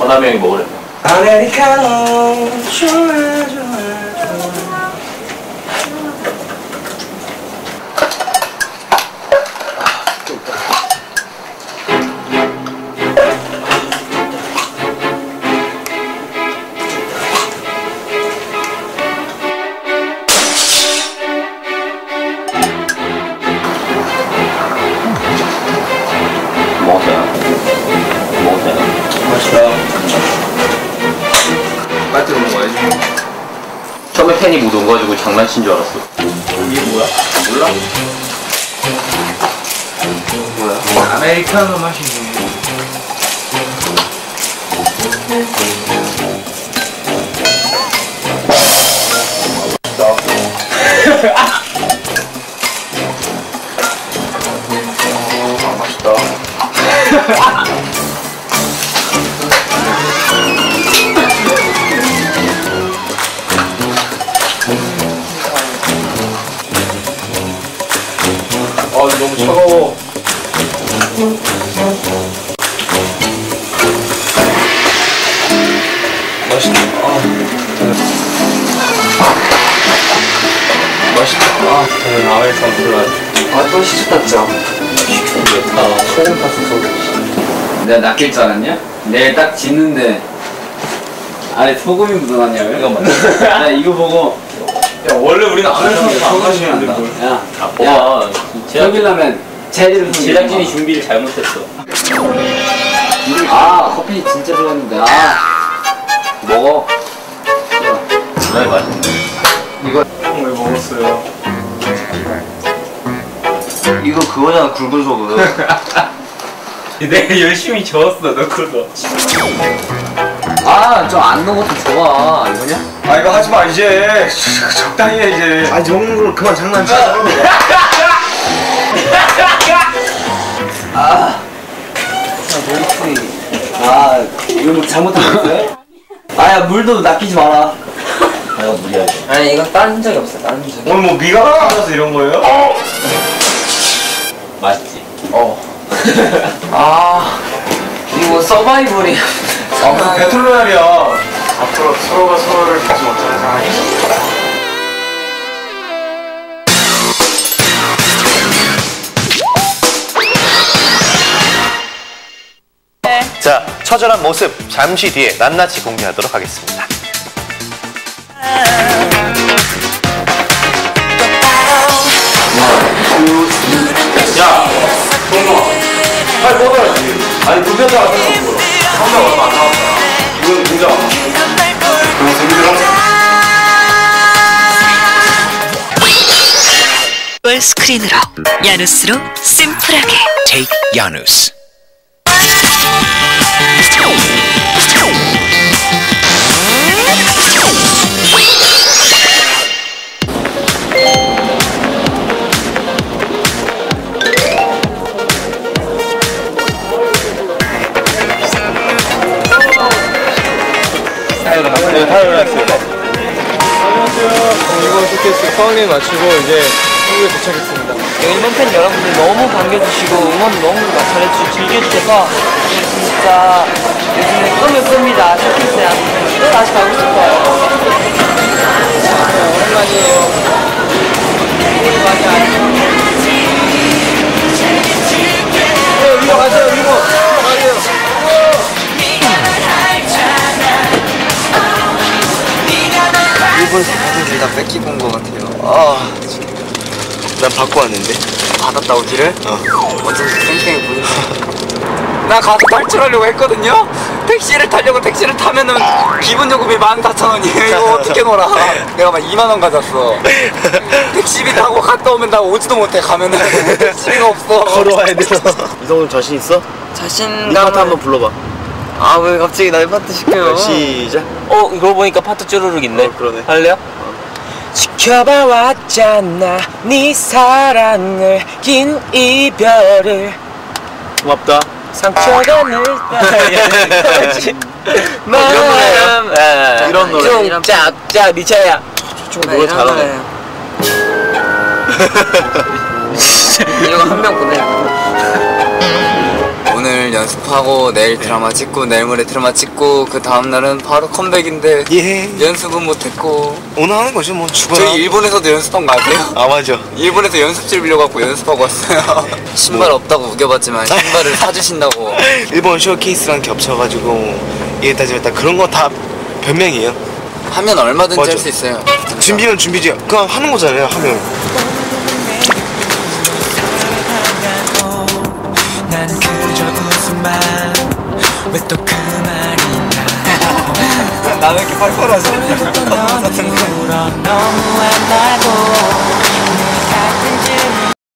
원남이 형이 먹으래. 아메리카노 좋아 좋아. 빨대로 먹어야지. 처음에 팬이 못 온가지고 장난친 줄 알았어. 이게 뭐야? 몰라? 뭐야? 아메리카노 마시네. 맛있다. 너무 차가워. 맛있다. 맛있다. 저는 아메리카노 콜라. 또 시켰다. 시켰는데 소금 탔어. 내가 낚일 줄 알았냐? 내일 딱 짓는데 안에 소금이 묻어났냐고요? 이거 맞지? 나 이거 보고 야 원래 우리는 아메리카노 안 마시면 안 돼. 야, 야, 여기라면 재질을 제작진이 준비를 잘못했어. 커피 진짜 좋았는데 먹어. 정말 맛있네. 이거 왜 먹었어요? 이거 그거잖아, 굵은 소금. 내가 열심히 저었어 너 그거. 저 안 넣은 것도 좋아. 이거냐? 이거 하지마 이제. 적당히 해 이제. 아니 먹는 걸 그만 장난쳐. 이거 뭐 잘못했어요? 야 물도 낚이지 마라. 이거 무리하지. 아니 이건 딴 적이 없어. 딴 적이. 오늘 뭐 미가 빠져서 이런 거예요? 맛있지? 이거 서바이벌이야. 배틀로얄이야. 앞으로 서로가 서로를 믿지 못하는 상황이 있어. 자, 처절한 모습 잠시 뒤에 낱낱이 공개하도록 하겠습니다. 야, 동동아, 빨리 먹어야지. 아니 무대도 안 되는 거야. 상대 얼마 안 나왔잖아. 이건 진짜. 그럼 재밌더라. 스크린으로 야누스로 심플하게 Take 야누스. 이번 쇼케이스 파울링 마치고 이제 한국에 도착했습니다. 일본 팬 여러분들 너무 반겨주시고 응원 너무 잘해주시고 즐겨주셔서 진짜 요즘에 꿈을 꿉니다. 쇼케이스에 또 다시 가고 싶어요. 오랜만이에요. 우리 많이 알죠? 이거 가세요, 이거. 가세요. 일본에서 받은 길다 뺏기고 온 것 같아요. 난 받고 왔는데. 받았다 오기를? 어쩐지 땡땡이 보니까. 나 가서 탈출하려고 했거든요? 택시를 타려고 택시를 타면은 기본 요금이 14,000원이에요. 이거 어떻게 놀아? 내가 막 2만원 가졌어. 택시비 타고 갔다 오면 나 오지도 못해. 가면은 택시비가 없어. 걸어와야 돼서. 이동훈 자신 있어? 자신감을. 이 파트 한번 불러봐. 왜 갑자기 날 파트 시켜요? 시작. 그러고 보니까 파트 쭈루룩 있네. 그러네. 할래요? 지켜봐 왔잖아 네 사랑을 긴 이별을 고맙다. 상처가 늘까 마음 이런 노래. 좀 짝짝 니 차야 좀 노래 잘하네. 이거 한 명 보내. 오늘 오늘 연습하고 내일 드라마 찍고 내일 모레 드라마 찍고 그 다음날은 바로 컴백인데 예. 연습은 못했고 오늘 하는 거죠 뭐 죽어라. 저희 일본에서도 연습한 거 아세요? 아 맞아. 일본에서 연습실 빌려갖고 연습하고 왔어요. 신발 없다고 우겨봤지만 신발을 사주신다고. 일본 쇼케이스랑 겹쳐가지고 이랬다 저랬다 그런 거 다 변명이에요. 하면 얼마든지 맞아. 할 수 있어요. 진짜. 준비는 준비지. 그냥 하는 거잖아요. 하면. 난 그저 웃음만 왜 또 그 말이냐 나왜 이렇게 팔팔하지? 너무한 날 보고